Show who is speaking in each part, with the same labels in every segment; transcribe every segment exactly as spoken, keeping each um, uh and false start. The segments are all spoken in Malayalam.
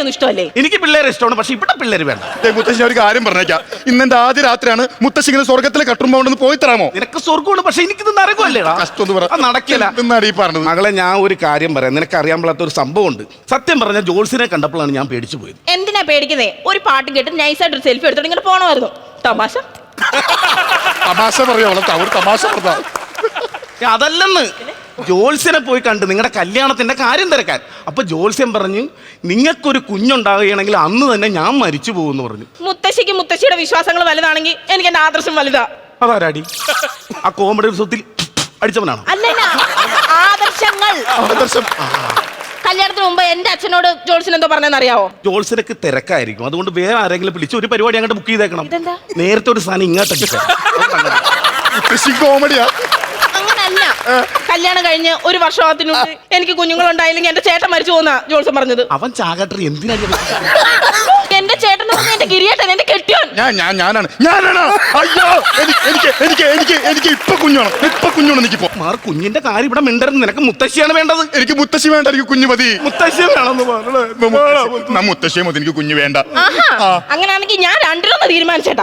Speaker 1: ഒന്നും ഇഷ്ടമല്ലേ?
Speaker 2: എനിക്ക് പിള്ളേരെ ഇഷ്ടമാണ്, പക്ഷെ ഇവിടെ പിള്ളേര് വേണ്ട.
Speaker 3: മുത്തശ്ശി ഒരു കാര്യം പറഞ്ഞേക്കാം, ഇന്നെന്റെ ആദ്യ രാത്രിയാണ്. മുത്തശ്ശി ഇങ്ങനെ സ്വർഗത്തിലെ കട്ടുമ്പോണ്ടെന്ന് പോയി തരാമോ?
Speaker 2: നിനക്ക് സ്വർഗമാണ്, പക്ഷെ എനിക്കിത് നരകമല്ലേ? നടക്കില്ല.
Speaker 3: എന്നാണ് ഈ പറഞ്ഞത്.
Speaker 2: മകളെ, ഞാൻ ഒരു കാര്യം പറയാം. നിനക്ക് അറിയാൻ പാടാത്ത ഒരു സംഭവം ഉണ്ട്. സത്യം പറഞ്ഞ ജോൾസിനെ കണ്ടപ്പോഴാണ് ഞാൻ പേടിച്ചു പോയത്.
Speaker 1: എന്തിനാ പേടിക്കുന്നേ? ഒരു പാട്ട് കേട്ട് നൈസായിട്ട് ഒരു സെൽഫി എടുത്തോണ്ട് ഇങ്ങനെ പോണമായിരുന്നു. തമാശ
Speaker 3: തമാശ പറയാ, ഒരു തമാശ പറഞ്ഞ
Speaker 2: അതല്ലെന്ന്. ജോത്സ്യനെ പോയി കണ്ട് നിങ്ങളുടെ കല്യാണത്തിന്റെ കാര്യം തിരക്കാൻ. അപ്പൊ ജോത്സ്യൻ പറഞ്ഞു, നിങ്ങൾക്കൊരു കുഞ്ഞുണ്ടാവുകയാണെങ്കിൽ അന്ന് തന്നെ ഞാൻ മരിച്ചു പോകുമെന്ന് പറഞ്ഞു.
Speaker 1: മുത്തശ്ശിക്ക് മുത്തശ്ശിയുടെ വിശ്വാസങ്ങൾ വലുതാണെങ്കിൽ എനിക്ക് എന്റെ ആദർശം വലുതാ.
Speaker 2: അതാരാടി? ആ കോമഡി സ്വത്തിൽ അടിച്ചവനാണോ?
Speaker 1: അല്ലല്ല, ആദർശങ്ങൾ.
Speaker 3: ആദർശം.
Speaker 1: കല്യാണത്തിന് മുമ്പ് എന്റെ അച്ഛനോട് ജോൾസിന് എന്തോ പറഞ്ഞെന്ന് അറിയാവോ?
Speaker 2: ജോൾസിനൊക്കെ തിരക്കായിരിക്കും, അതുകൊണ്ട് വേറെ ആരെങ്കിലും പിടിച്ച് ഒരു പരിപാടി അങ്ങോട്ട് ബുക്ക് ചെയ്തേക്കണം.
Speaker 1: ഇതെന്താ?
Speaker 2: നേരത്തെ ഒരു സാധനം ഇങ്ങോട്ടേക്ക്.
Speaker 3: കോമഡിയാ.
Speaker 1: അങ്ങനല്ല, കല്യാണം കഴിഞ്ഞ് ഒരു വർഷത്തിനുള്ളിൽ എനിക്ക് കുഞ്ഞുങ്ങളുണ്ടായില്ലെങ്കിൽ എന്റെ ചേട്ടൻ മരിച്ചു പോകുന്ന ജോൾസൻ പറഞ്ഞത്.
Speaker 2: അവൻ ചാകട്ടെ, എന്തിനാ?
Speaker 1: എന്റെ ചേട്ടൻ എന്റെ കിരിയേട്ടൻ, എന്റെ കെട്ടിയോൻ.
Speaker 3: ഞാൻ ഞാൻ ഞാനാണ് ഞാനാണ് അയ്യോ, എനിക്ക് എനിക്ക് എനിക്ക് എനിക്ക് ഇപ്പൊ കുഞ്ഞാണ്, ഇപ്പൊ കുഞ്ഞാണ് എനിക്കിപ്പോ.
Speaker 2: മാർ, കുഞ്ഞിന്റെ കാര്യം ഇവിടെ മിണ്ടരുത്. നിനക്ക് മുത്തശ്ശിയാണ് വേണ്ടത്.
Speaker 3: എനിക്ക് മുത്തശ്ശി വേണ്ട, എനിക്ക് കുഞ്ഞു മതി.
Speaker 2: മുത്തശ്ശി വേണമെന്ന് പറഞ്ഞു.
Speaker 3: മുത്തശ്ശിയെ മതി, എനിക്ക് കുഞ്ഞു വേണ്ട.
Speaker 1: അങ്ങനെയാണെങ്കിൽ ഞാൻ രണ്ടിലൊന്ന് തീരുമാനിച്ചേട്ടാ.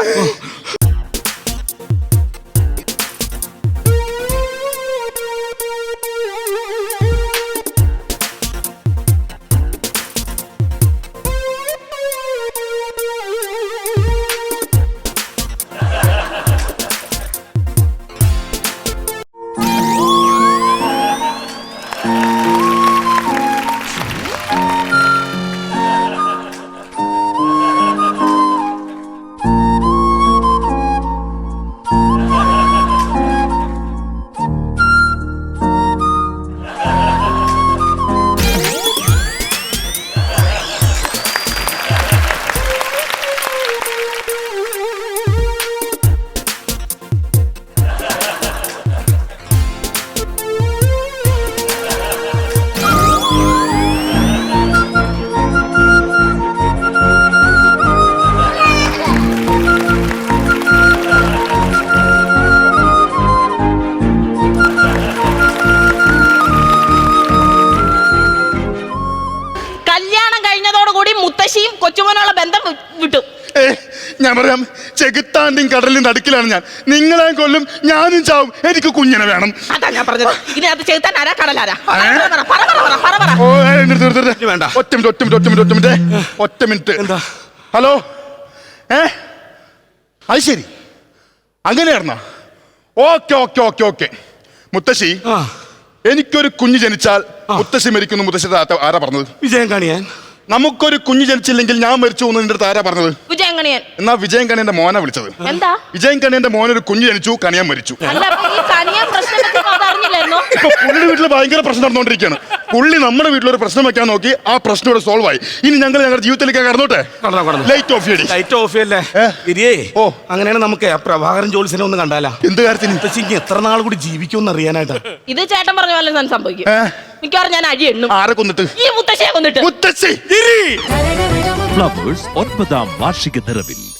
Speaker 1: മുത്തശ്ശിയും കൊച്ചുമോനുള്ള ബന്ധം വിട്ടു.
Speaker 3: ഞാൻ പറയാം, ചെകുത്താന്റെയും കടലിന്റെ നടുക്കിലാണ് ഞാൻ. നിങ്ങളെ കൊല്ലും, ഞാനും ചാവും, എനിക്ക് കുഞ്ഞിനെ വേണം.
Speaker 1: അതാ ഞാൻ പറഞ്ഞത്. ഇതിനകത്ത് ചെകുത്താൻ ആരാ, കടലാരാ?
Speaker 2: വേണ്ട.
Speaker 3: ഒറ്റ മിനിറ്റ് ഒറ്റ മിനിറ്റ് ഒറ്റ മിനിറ്റ് ഒറ്റ മിനിറ്റ് ഒറ്റ മിനിറ്റ്
Speaker 2: എന്താ?
Speaker 3: ഹലോ, ഏ അത് ശരി, അങ്ങനെയായിരുന്നോ? Okay okay okay okay. മുത്തശ്ശി, എനിക്കൊരു കുഞ്ഞ് ജനിച്ചാൽ മുത്തശ്ശി മരിക്കുന്നു. മുത്തശ്ശി ആരാ പറഞ്ഞത്?
Speaker 2: വിജയം കാണിയാൻ.
Speaker 3: നമുക്കൊരു കുഞ്ഞ് ജനിച്ചില്ലെങ്കിൽ ഞാൻ മരിച്ചു പോകുന്നു നിന്റെ അടുത്ത് ആരാ പറഞ്ഞത്?
Speaker 1: വിജയൻ കണിയൻ.
Speaker 3: എന്നാ വിജയൻ കണിയന്റെ മോനെ വിളിച്ചത്.
Speaker 1: എന്താ?
Speaker 3: വിജയൻ കണിയന്റെ മോനൊരു കുഞ്ഞ് ജനിച്ചു, കണിയാൻ മരിച്ചു. ഇപ്പൊ പുള്ളി വീട്ടിൽ ഭയങ്കര പ്രശ്നം നടന്നുകൊണ്ടിരിക്കുകയാണ്. പുള്ളി നമ്മുടെ വീട്ടിലൊരു പ്രശ്നം വെക്കാൻ നോക്കി, ആ പ്രശ്നം ഇവിടെ സോൾവ് ആയി. ഇനി ഞങ്ങൾ ഞങ്ങളുടെ ജീവിതത്തിലേക്ക് കടന്നോട്ടെ. ലൈറ്റ് ഓഫ് ചെയ്യടി.
Speaker 2: ലൈറ്റ് ഓഫ് ചെയ്യല്ലേ? ഓ, അങ്ങനെയാണ്. നമുക്ക് ആ പ്രഭാകരൻ ജോത്സ്യനെ ഒന്ന് കണ്ടാലാ?
Speaker 3: എന്ത് കാര്യത്തിന്?
Speaker 2: മുത്തശ്ശിക്ക് എത്ര നാൾ കൂടി ജീവിക്കുമെന്ന് അറിയാനായിട്ടാ.
Speaker 1: ഇത് ചേട്ടൻ പറഞ്ഞ പോലെ തന്നെ സംഭവിക്കും. മിക്കവാറും ഞാൻ അഴി എണ്ണും.
Speaker 3: ആരെ കൊന്നിട്ട്?
Speaker 1: ഈ മുത്തശ്ശിയെ കൊന്നിട്ട്.
Speaker 3: മുത്തശ്ശി
Speaker 4: ഫ്ലവേഴ്സ് ഒൻപതാം വാർഷിക നിറവിൽ